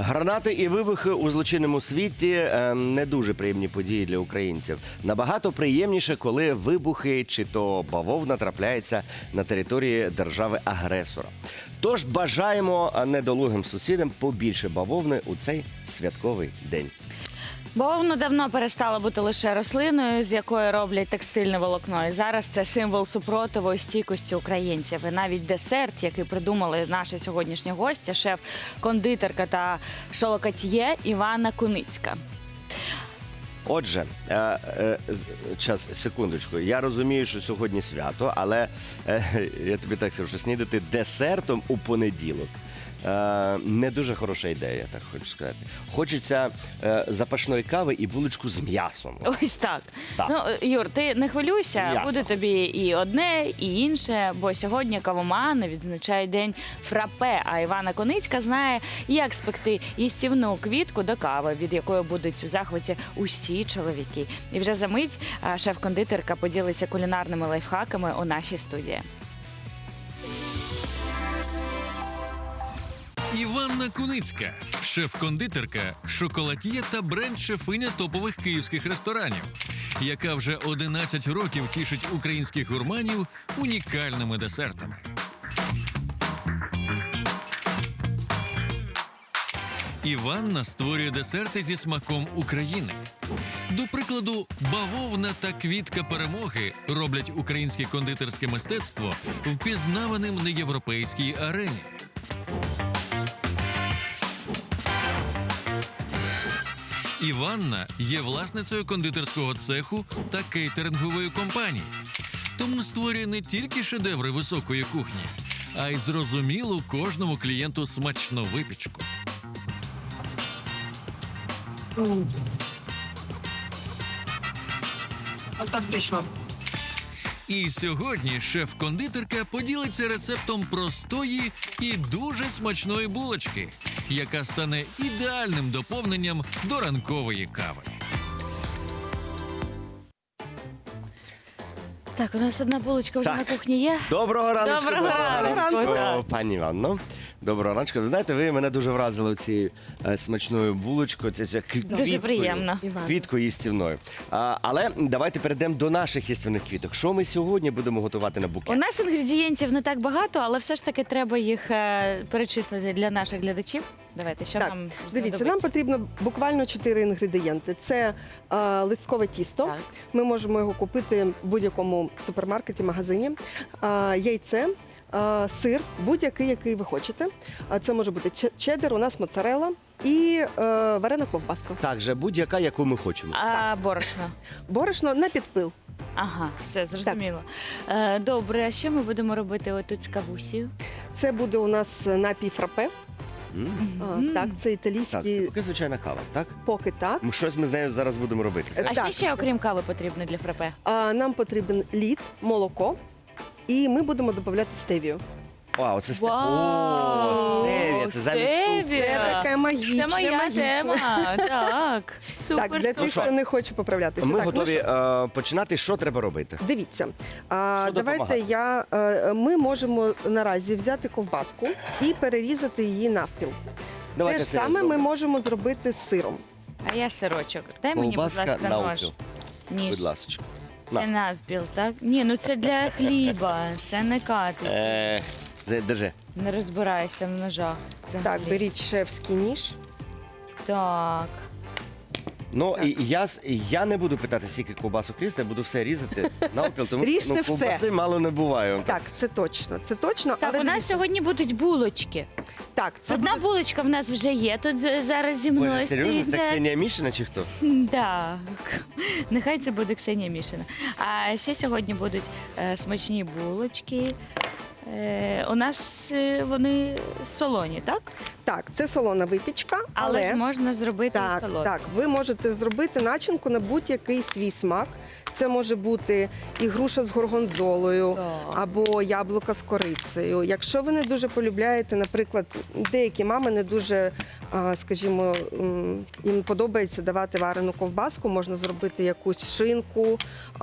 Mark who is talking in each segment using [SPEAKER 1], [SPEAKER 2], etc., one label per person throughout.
[SPEAKER 1] Гранати і вибухи у злочинному світі не дуже приємні події для українців. Набагато приємніше, коли вибухи чи то бавовна трапляється на території держави-агресора. Тож бажаємо недолугим сусідам побільше бавовни у цей святковий день.
[SPEAKER 2] Бавовна давно перестала бути лише рослиною, з якої роблять текстильне волокно. І зараз це символ супротиву і стійкості українців. І навіть десерт, який придумали наші сьогоднішні гості, шеф-кондитерка та шолокатьє Іванна Куницька.
[SPEAKER 1] Отже, секундочку, я розумію, що сьогодні свято, але я тобі так скажу, що снідати десертом у понеділок не дуже хороша ідея, так хочу сказати. Хочеться запашної кави і булочку з м'ясом.
[SPEAKER 2] Ось так.
[SPEAKER 1] Так.
[SPEAKER 2] Ну, Юр, ти не хвилюйся,
[SPEAKER 1] М'ясо.
[SPEAKER 2] буде тобі і одне, і інше, бо сьогодні кавомани відзначають день фрапе, а Іванна Куницька знає, як спекти їстівну квітку до кави, від якої будуть в захваті усі чоловіки. І вже за мить шеф-кондитерка поділиться кулінарними лайфхаками у нашій студії.
[SPEAKER 3] Іванна Куницька – шеф-кондитерка, шоколад'є та бренд-шефиня топових київських ресторанів, яка вже 11 років тішить українських гурманів унікальними десертами. Іванна створює десерти зі смаком України. До прикладу, бавовна та квітка перемоги роблять українське кондитерське мистецтво впізнаваним на європейській арені. Іванна є власницею кондитерського цеху та кейтерингової компанії. Тому створює не тільки шедеври високої кухні, а й зрозумілу кожному клієнту смачну випічку.
[SPEAKER 4] Фантастично.
[SPEAKER 3] І сьогодні шеф-кондитерка поділиться рецептом простої і дуже смачної булочки, яка стане ідеальним доповненням до ранкової кави.
[SPEAKER 2] Так, у нас одна булочка вже
[SPEAKER 1] Так.
[SPEAKER 2] на кухні є.
[SPEAKER 1] Доброго раночку,
[SPEAKER 2] Доброго ранку, так.
[SPEAKER 1] пані Іванно. Доброго раночку. Ви знаєте, ви мене дуже вразили цією смачною булочкою, це
[SPEAKER 2] Дуже приємно.
[SPEAKER 1] Квіткою їстівною. Але давайте перейдемо до наших їстівних квіток. Що ми сьогодні будемо готувати на букет?
[SPEAKER 2] У нас інгредієнтів не так багато, але все ж таки треба їх перечислити для наших глядачів. Давайте, що
[SPEAKER 5] Так,
[SPEAKER 2] нам
[SPEAKER 5] дивіться, нам
[SPEAKER 2] знадобиться?
[SPEAKER 5] потрібно буквально 4 інгредієнти. Це листкове тісто.
[SPEAKER 2] Так.
[SPEAKER 5] Ми можемо його купити в будь-якому супермаркеті, магазині. Яйце, сир, будь-який, який ви хочете. Це може бути чеддер, у нас моцарелла і варена ковбаска.
[SPEAKER 1] Так, же будь-яка, яку ми хочемо.
[SPEAKER 2] А борошно.
[SPEAKER 5] Борошно на підпил.
[SPEAKER 2] Ага, все, зрозуміло. Добре, а що ми будемо робити отут з кавусією?
[SPEAKER 5] Це буде у нас напій фрапе. Так, це
[SPEAKER 1] Так,
[SPEAKER 5] італійський
[SPEAKER 1] це поки звичайна кава, так?
[SPEAKER 5] поки так.
[SPEAKER 1] Щось ми з нею зараз будемо робити.
[SPEAKER 2] А
[SPEAKER 5] Так.
[SPEAKER 2] що ще, окрім кави, потрібно для фрапе?
[SPEAKER 5] Нам потрібен лід, молоко, і ми будемо додавати стевію.
[SPEAKER 1] О, оце
[SPEAKER 2] Вау,
[SPEAKER 1] стевія, це замість
[SPEAKER 2] стевія.
[SPEAKER 5] Це таке магічне,
[SPEAKER 2] Це моя
[SPEAKER 5] магічне.
[SPEAKER 2] тема. Так, супер.
[SPEAKER 5] Так, для тих,
[SPEAKER 1] що?
[SPEAKER 5] хто не хоче поправлятися.
[SPEAKER 1] Ми
[SPEAKER 5] Так,
[SPEAKER 1] готові
[SPEAKER 5] що?
[SPEAKER 1] починати. Що треба робити?
[SPEAKER 5] Дивіться,
[SPEAKER 1] допомагає?
[SPEAKER 5] давайте ми можемо наразі взяти ковбаску і перерізати її навпіл.
[SPEAKER 1] Давайте
[SPEAKER 5] Те ж
[SPEAKER 1] це я
[SPEAKER 5] саме ми
[SPEAKER 1] зроблю.
[SPEAKER 5] можемо зробити з сиром.
[SPEAKER 2] А я сирочок. Дай мені, будь
[SPEAKER 1] Ковбаска
[SPEAKER 2] ласка, нож.
[SPEAKER 1] навпіл.
[SPEAKER 2] Ніж.
[SPEAKER 1] Будь ласка.
[SPEAKER 2] Це навпіл, так? Ні, ну це для хліба, це не катлет.
[SPEAKER 1] Держи.
[SPEAKER 2] Не розбирайся в ножах. взагалі.
[SPEAKER 5] Так, беріть шефський ніж.
[SPEAKER 2] Так.
[SPEAKER 1] Ну, і я не буду питати, скільки ковбасок різати, я буду все різати навпіл, тому
[SPEAKER 5] Ріжте все.
[SPEAKER 1] ковбаси мало не буває.
[SPEAKER 5] Так, це точно. Це точно.
[SPEAKER 2] Так,
[SPEAKER 5] але
[SPEAKER 2] у нас
[SPEAKER 5] дивіться,
[SPEAKER 2] сьогодні будуть булочки.
[SPEAKER 5] так, це
[SPEAKER 2] Одна
[SPEAKER 5] буде...
[SPEAKER 2] булочка в нас вже є. Тут зараз зі мною
[SPEAKER 1] Боже, серйозно?
[SPEAKER 2] стоїть.
[SPEAKER 1] Це Ксенія Мішина чи хто?
[SPEAKER 2] Так. Нехай це буде Ксенія Мішина. А ще сьогодні будуть смачні булочки. У нас вони солоні, так?
[SPEAKER 5] Так, це солона випічка,
[SPEAKER 2] Але ж
[SPEAKER 5] але
[SPEAKER 2] можна зробити і
[SPEAKER 5] так,
[SPEAKER 2] солодкі.
[SPEAKER 5] так, ви можете зробити начинку на будь-який свій смак. Це може бути і груша з горгонзолою,
[SPEAKER 2] Так.
[SPEAKER 5] або яблука з корицею. Якщо ви не дуже полюбляєте, наприклад, деякі мами не дуже, скажімо, їм подобається давати варену ковбаску, можна зробити якусь шинку,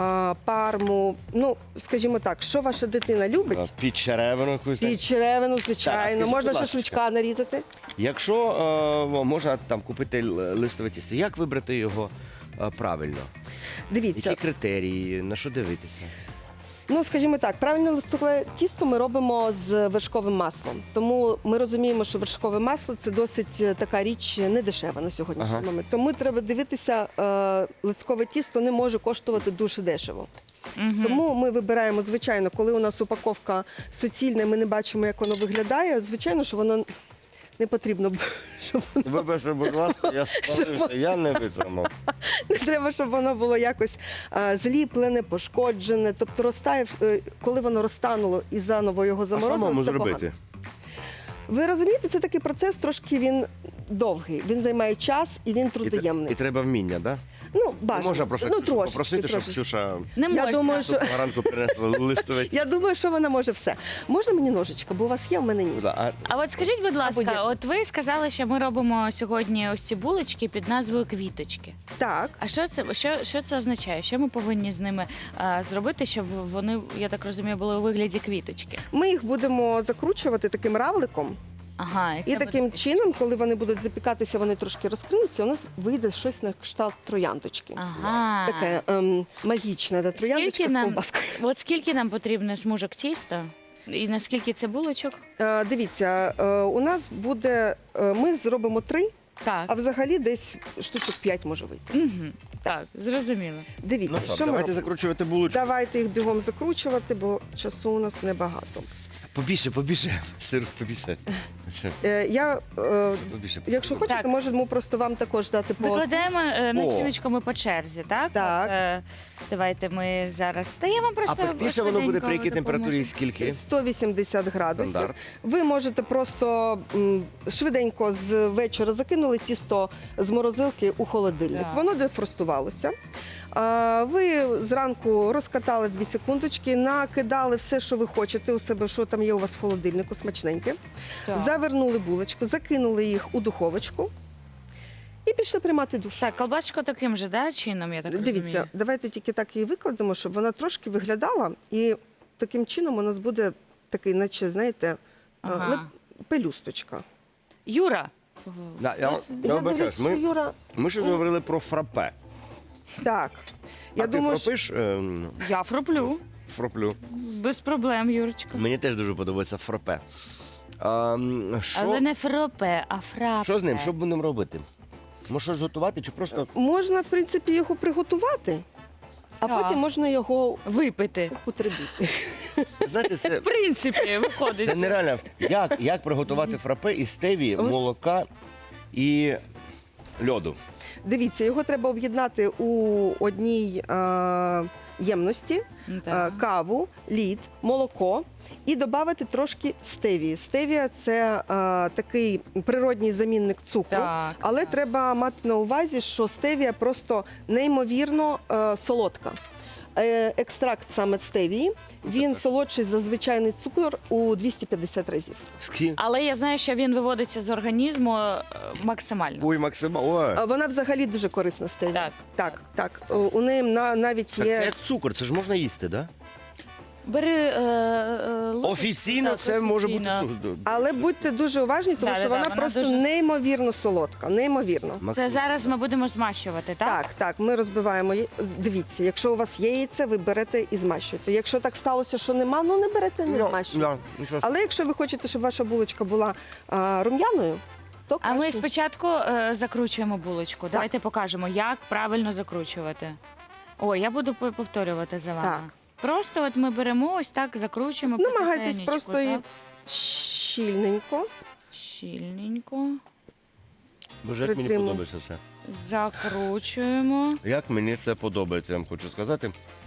[SPEAKER 5] парму. Ну, скажімо так, що ваша дитина любить?
[SPEAKER 1] Під черевину якусь.
[SPEAKER 5] І черевину,
[SPEAKER 1] Так, а
[SPEAKER 5] звичайно,
[SPEAKER 1] скажіть,
[SPEAKER 5] можна
[SPEAKER 1] будь ласка.
[SPEAKER 5] шашличка нарізати.
[SPEAKER 1] Якщо можна там купити листове тісто, як вибрати його правильно?
[SPEAKER 5] Дивіться,
[SPEAKER 1] Які критерії, на що дивитися?
[SPEAKER 5] ну, скажімо так, правильне листове тісто ми робимо з вершковим маслом. Тому ми розуміємо, що вершкове масло – це досить така річ недешева на сьогоднішній
[SPEAKER 1] Ага.
[SPEAKER 5] момент. Тому треба дивитися, листкове тісто не може коштувати дуже дешево. Тому ми вибираємо, звичайно, коли у нас упаковка суцільна, і ми не бачимо, як воно виглядає, звичайно, що воно не потрібно, щоб
[SPEAKER 1] Вибачте, будь ласка, я спалився, я не витримав.
[SPEAKER 5] не треба, щоб воно було якось зліплене, пошкоджене. Тобто розтає, коли воно розтануло і заново його
[SPEAKER 1] А
[SPEAKER 5] заморозили,
[SPEAKER 1] самому
[SPEAKER 5] це
[SPEAKER 1] зробити?
[SPEAKER 5] погано. Ви розумієте, це такий процес, трошки він довгий. Він займає час і він
[SPEAKER 1] І
[SPEAKER 5] трудоємний.
[SPEAKER 1] треба вміння, так?
[SPEAKER 5] Ну, бажано.
[SPEAKER 1] Можна просто
[SPEAKER 5] ну,
[SPEAKER 1] Ксюшу
[SPEAKER 5] трошечки,
[SPEAKER 1] попросити, щоб
[SPEAKER 5] трошечки.
[SPEAKER 1] Ксюша
[SPEAKER 2] Не можна.
[SPEAKER 5] Я думаю, що...
[SPEAKER 1] ранку принесла листове тісто.
[SPEAKER 5] Я думаю, що вона може все. Можна мені ножичка, бо у вас є, в мене ні.
[SPEAKER 1] А
[SPEAKER 2] А от скажіть, будь ласка,
[SPEAKER 5] будь-як.
[SPEAKER 2] от ви сказали, що ми робимо сьогодні ось ці булочки під назвою квіточки.
[SPEAKER 5] Так.
[SPEAKER 2] А що це означає? Що ми повинні з ними зробити, щоб вони, я так розумію, були у вигляді квіточки?
[SPEAKER 5] Ми їх будемо закручувати таким равликом.
[SPEAKER 2] Ага,
[SPEAKER 5] І
[SPEAKER 2] це
[SPEAKER 5] таким
[SPEAKER 2] буде-
[SPEAKER 5] чином, коли вони будуть запікатися, вони трошки розкриються, у нас вийде щось на кшталт трояндочки.
[SPEAKER 2] Ага.
[SPEAKER 5] Таке магічне, да, трояндочка
[SPEAKER 2] Скільки
[SPEAKER 5] з
[SPEAKER 2] нам,
[SPEAKER 5] ковбаскою.
[SPEAKER 2] от скільки нам потрібно смужок тіста? І наскільки це булочок?
[SPEAKER 5] Дивіться, у нас буде, ми зробимо 3,
[SPEAKER 2] Так.
[SPEAKER 5] а взагалі десь штучок 5 може вийти.
[SPEAKER 2] Угу. Так, зрозуміло.
[SPEAKER 5] Дивіться,
[SPEAKER 1] ну що,
[SPEAKER 5] що ми
[SPEAKER 1] давайте
[SPEAKER 5] робимо?
[SPEAKER 1] закручувати булочку.
[SPEAKER 5] Давайте їх бігом закручувати, бо часу у нас небагато.
[SPEAKER 1] Побільше, сир, побільше. Ще, побільше.
[SPEAKER 5] Якщо хочете,
[SPEAKER 2] Так.
[SPEAKER 5] можемо просто вам також дати по...
[SPEAKER 2] Викладаємо начиночку ми по черзі, так?
[SPEAKER 5] Так.
[SPEAKER 2] От, давайте ми зараз. Та я вам просто
[SPEAKER 1] А пектися воно буде при якій
[SPEAKER 2] швиденько
[SPEAKER 1] температурі
[SPEAKER 2] допоможу.
[SPEAKER 1] скільки?
[SPEAKER 5] 180 градусів.
[SPEAKER 1] Стандарт.
[SPEAKER 5] Ви можете просто швиденько з вечора закинули тісто з морозилки у холодильник.
[SPEAKER 2] Так.
[SPEAKER 5] Воно дефростувалося. Ви зранку розкатали 2 секундочки, накидали все, що ви хочете у себе, що там є у вас в холодильнику, смачненьке.
[SPEAKER 2] Так.
[SPEAKER 5] Завернули булочку, закинули їх у духовочку і пішли приймати душ.
[SPEAKER 2] Так, колбаску таким же, да, чином, я так
[SPEAKER 5] Дивіться,
[SPEAKER 2] розумію?
[SPEAKER 5] давайте тільки так її викладемо, щоб вона трошки виглядала, і таким чином у нас буде такий, наче, знаєте,
[SPEAKER 2] Ага.
[SPEAKER 5] пелюсточка.
[SPEAKER 2] Юра.
[SPEAKER 1] Да, я
[SPEAKER 5] Я
[SPEAKER 1] вибачаюсь,
[SPEAKER 5] дивлюсь, що Юра,
[SPEAKER 1] ми ще говорили про фрапе.
[SPEAKER 5] так. Я
[SPEAKER 1] А
[SPEAKER 5] думаю,
[SPEAKER 1] ти фропиш?
[SPEAKER 2] Я фроплю.
[SPEAKER 1] Фроплю.
[SPEAKER 2] Без проблем, Юрочка.
[SPEAKER 1] Мені теж дуже подобається фрапе. Що,
[SPEAKER 2] Але не фропе, а фрапе.
[SPEAKER 1] що з ним? Що будемо робити? Може щось готувати чи просто
[SPEAKER 5] можна, в принципі, його приготувати, а
[SPEAKER 2] Так.
[SPEAKER 5] потім можна його
[SPEAKER 2] Випити.
[SPEAKER 5] употребити.
[SPEAKER 1] знаєте, це,
[SPEAKER 2] В принципі, виходить.
[SPEAKER 1] це нереально. Як приготувати фрапе із стевії, молока і льоду?
[SPEAKER 5] Дивіться, його треба об'єднати у одній ємності.
[SPEAKER 2] Так.
[SPEAKER 5] Каву, лід, молоко і додати трошки стевії. Стевія – це такий природній замінник цукру,
[SPEAKER 2] Так,
[SPEAKER 5] але
[SPEAKER 2] так.
[SPEAKER 5] треба мати на увазі, що стевія просто неймовірно солодка. Екстракт саме стевії, він солодший за звичайний цукор у 250 разів.
[SPEAKER 2] Але я знаю, що він виводиться з організму максимально.
[SPEAKER 1] Ой, Максима, ой.
[SPEAKER 5] Вона взагалі дуже корисна стевія.
[SPEAKER 2] Так.
[SPEAKER 5] Так. У неї навіть
[SPEAKER 1] Так це
[SPEAKER 5] є...
[SPEAKER 1] як цукор, це ж можна їсти, так?
[SPEAKER 2] Бери ложечку,
[SPEAKER 1] Офіційно
[SPEAKER 2] так,
[SPEAKER 1] це може бути
[SPEAKER 2] офіційно.
[SPEAKER 1] цукор.
[SPEAKER 5] Але будьте дуже уважні, тому
[SPEAKER 2] Да,
[SPEAKER 5] що
[SPEAKER 2] да,
[SPEAKER 5] вона
[SPEAKER 2] вона
[SPEAKER 5] просто
[SPEAKER 2] дуже-
[SPEAKER 5] неймовірно солодка, неймовірно.
[SPEAKER 2] Це
[SPEAKER 1] Максим,
[SPEAKER 2] зараз ми будемо змащувати, так?
[SPEAKER 5] Так, ми розбиваємо. Дивіться, якщо у вас є яйце, ви берете і змащуєте. Якщо так сталося, що нема, ну не берете, не змащуєте.
[SPEAKER 1] нічого.
[SPEAKER 5] Але якщо ви хочете, щоб ваша булочка була рум'яною, то
[SPEAKER 2] А ми
[SPEAKER 5] краще.
[SPEAKER 2] спочатку закручуємо булочку. Давайте покажемо, як правильно закручувати. Ой, я буду повторювати за вами.
[SPEAKER 5] Так.
[SPEAKER 2] Просто от ми беремо ось так, закручуємо.
[SPEAKER 5] Намагайтесь
[SPEAKER 2] потихенечку,
[SPEAKER 5] просто і
[SPEAKER 2] так?
[SPEAKER 5] щільненько.
[SPEAKER 2] Щільненько.
[SPEAKER 1] Боже, як мені
[SPEAKER 5] притримуй.
[SPEAKER 1] подобається це.
[SPEAKER 2] Закручуємо.
[SPEAKER 1] Як мені це подобається, я вам хочу сказати.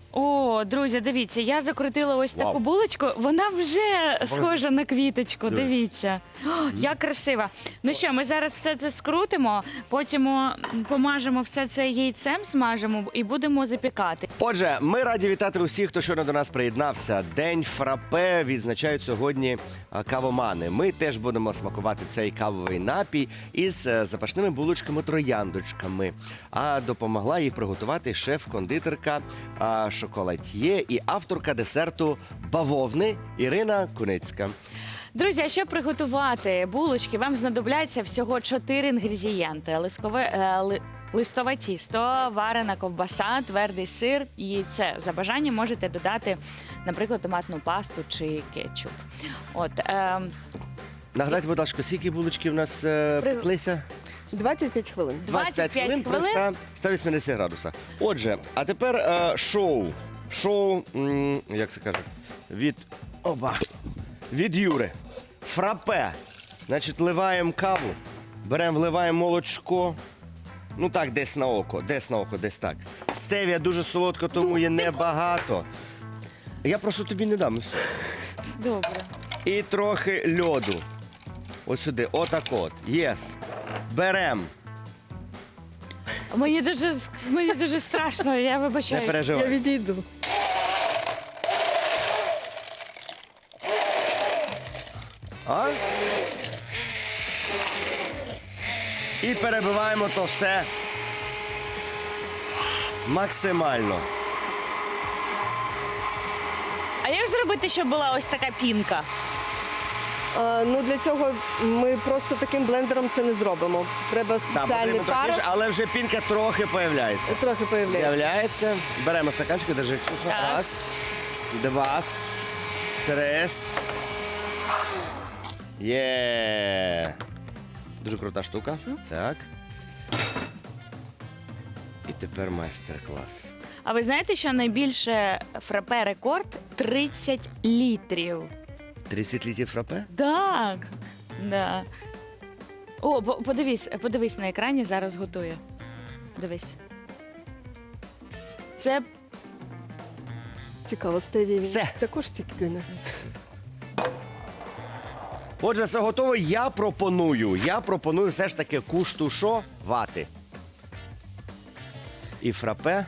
[SPEAKER 2] О, друзі, дивіться, я закрутила ось
[SPEAKER 1] Вау.
[SPEAKER 2] таку булочку. Вона вже схожа на квіточку.
[SPEAKER 1] Диви.
[SPEAKER 2] Дивіться. О, як красиво. Ну що, ми зараз все це скрутимо, потім помажемо все це яйцем, смажемо і будемо запікати.
[SPEAKER 1] Отже, ми раді вітати усіх, хто щойно до нас приєднався. День фрапе відзначають сьогодні кавомани. Ми теж будемо смакувати цей кавовий напій із запашними булочками-трояндочками. А допомогла їх приготувати шеф-кондитерка, шоколад'є і авторка десерту бавовни Ірина Куницька.
[SPEAKER 2] Друзі, а щоб приготувати булочки, вам знадобляться всього 4 інгредієнти: листове тісто, варена ковбаса, твердий сир, яйце. За бажанням можете додати, наприклад, томатну пасту чи кетчуп.
[SPEAKER 1] Нагадайте, будь ласка, скільки булочки в нас пеклися?
[SPEAKER 5] 25 хвилин.
[SPEAKER 2] 25 хвилин.
[SPEAKER 1] при 180 градусах. Отже, а тепер шоу. Шоу, як це кажуть, від Юри. Фрапе. Значить, вливаємо каву, вливаємо молочко. Ну так, десь на око, десь так. Стевія дуже солодка, тому є небагато. Я просто тобі не дам.
[SPEAKER 2] Добре.
[SPEAKER 1] І трохи льоду. Ось сюди, отак от. Єс. Берем.
[SPEAKER 2] Мені дуже страшно, я
[SPEAKER 1] Не
[SPEAKER 2] вибачаю.
[SPEAKER 5] Я
[SPEAKER 1] переживай.
[SPEAKER 5] відійду.
[SPEAKER 1] А? І перебиваємо то все максимально.
[SPEAKER 2] А як зробити, щоб була ось така пінка?
[SPEAKER 5] Ну, для цього ми просто таким блендером це не зробимо. Треба
[SPEAKER 1] Так,
[SPEAKER 5] спеціальний
[SPEAKER 1] потрібно трохи,
[SPEAKER 5] пар.
[SPEAKER 1] але вже пінка трохи появляється.
[SPEAKER 5] Трохи появляється.
[SPEAKER 1] З'являється. Беремо стаканчик, держи, Ксюша.
[SPEAKER 2] Так.
[SPEAKER 1] Раз, два, три. Є. Дуже крута штука. Так. І тепер майстер-клас.
[SPEAKER 2] А ви знаєте, що найбільше фрапе рекорд 30 літрів?
[SPEAKER 1] 30 літрів фрапе?
[SPEAKER 2] Так. Да. О, подивись на екрані, зараз готує. Дивись. Це
[SPEAKER 5] Цікаво, стевія
[SPEAKER 1] Все.
[SPEAKER 5] також цікаве.
[SPEAKER 1] Отже, все готово. Я пропоную все ж таки куштушувати. І фрапе.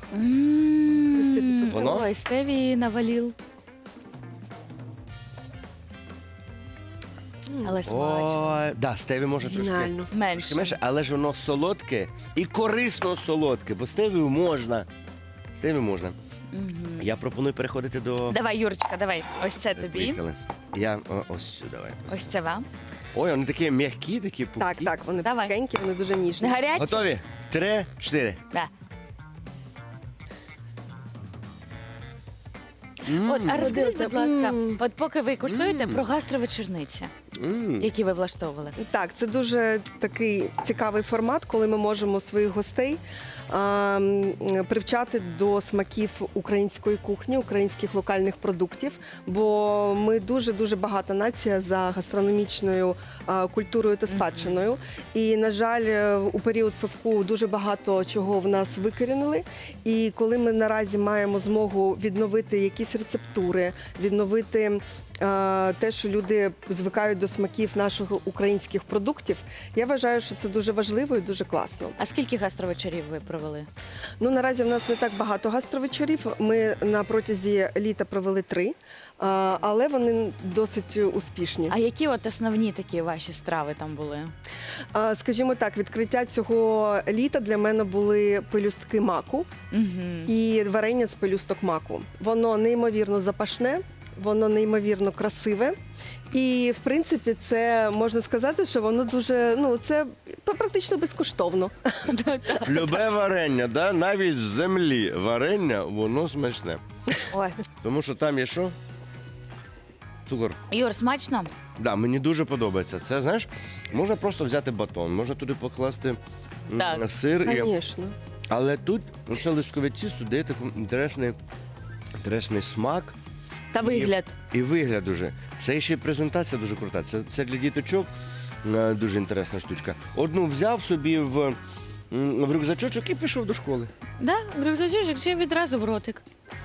[SPEAKER 1] Воно?
[SPEAKER 2] Ой, стевії навалів. Але смачно.
[SPEAKER 1] Ой, да, стеві може трошки
[SPEAKER 5] Геніально.
[SPEAKER 2] Менше.
[SPEAKER 1] менше, але ж воно солодке і корисно солодке, бо стевію можна. Стевію можна. Я пропоную переходити до...
[SPEAKER 2] Давай, Юрочка, давай. Ось це тобі.
[SPEAKER 1] Поїхали. Я ось сюди. Давай.
[SPEAKER 2] Ось це вам.
[SPEAKER 1] Ой, вони такі м'які, такі пухкі.
[SPEAKER 5] Так, вони
[SPEAKER 2] Давай.
[SPEAKER 5] пухенькі, вони дуже ніжні.
[SPEAKER 2] Гарячі?
[SPEAKER 1] Готові? 3, 4.
[SPEAKER 2] Да. От, а розкажіть, будь ласка, от поки ви куштуєте про гастровечорниці, які ви влаштовували.
[SPEAKER 5] Так, це дуже такий цікавий формат, коли ми можемо своїх гостей привчати до смаків української кухні, українських локальних продуктів. Бо ми дуже багата нація за гастрономічною культурою та спадщиною. І, на жаль, у період совку дуже багато чого в нас викорінили. І коли ми наразі маємо змогу відновити якісь рецептури, відновити те, що люди звикають до смаків наших українських продуктів, я вважаю, що це дуже важливо і дуже класно.
[SPEAKER 2] А скільки гастровечорів ви провели?
[SPEAKER 5] Ну, наразі в нас не так багато гастровечорів. Ми на протязі літа провели 3, але вони досить успішні.
[SPEAKER 2] А які от основні такі ваші страви там були?
[SPEAKER 5] Скажімо так, відкриття цього літа для мене були пелюстки маку і варення з пелюсток маку. Воно неймовірно запашне, воно неймовірно красиве. І, в принципі, це можна сказати, що воно дуже, це практично безкоштовно.
[SPEAKER 1] Любе варення, да? Навіть з землі варення, воно смачне.
[SPEAKER 2] Ой.
[SPEAKER 1] Тому що там є що? Цукор.
[SPEAKER 2] Юр, смачно?
[SPEAKER 1] Да, мені дуже подобається. Це, знаєш, можна просто взяти батон, можна туди покласти
[SPEAKER 2] Так.
[SPEAKER 1] сир.
[SPEAKER 5] Звісно.
[SPEAKER 1] Але тут це лискове тісто дає такий інтересний смак.
[SPEAKER 2] Та вигляд.
[SPEAKER 1] І вигляд дуже. Це ще й презентація дуже крута. Це для діточок дуже інтересна штучка. Одну взяв собі в рюкзачочок і пішов до школи.
[SPEAKER 2] Да, рюкзачок, ще відразу в ротик.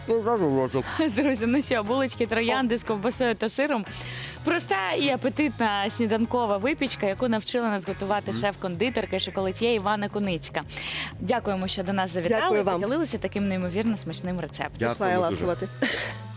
[SPEAKER 2] Друзі, ну що, булочки троянди з ковбасою та сиром. Проста і апетитна сніданкова випічка, яку навчила нас готувати шеф-кондитерка і шоколад'є Івана Куницька. Дякуємо, що до нас завітали
[SPEAKER 5] Дякую
[SPEAKER 2] і
[SPEAKER 5] вам.
[SPEAKER 2] поділилися таким неймовірно смачним рецептом.
[SPEAKER 1] Дякуємо
[SPEAKER 5] Пішла я
[SPEAKER 1] дуже.
[SPEAKER 5] ласувати.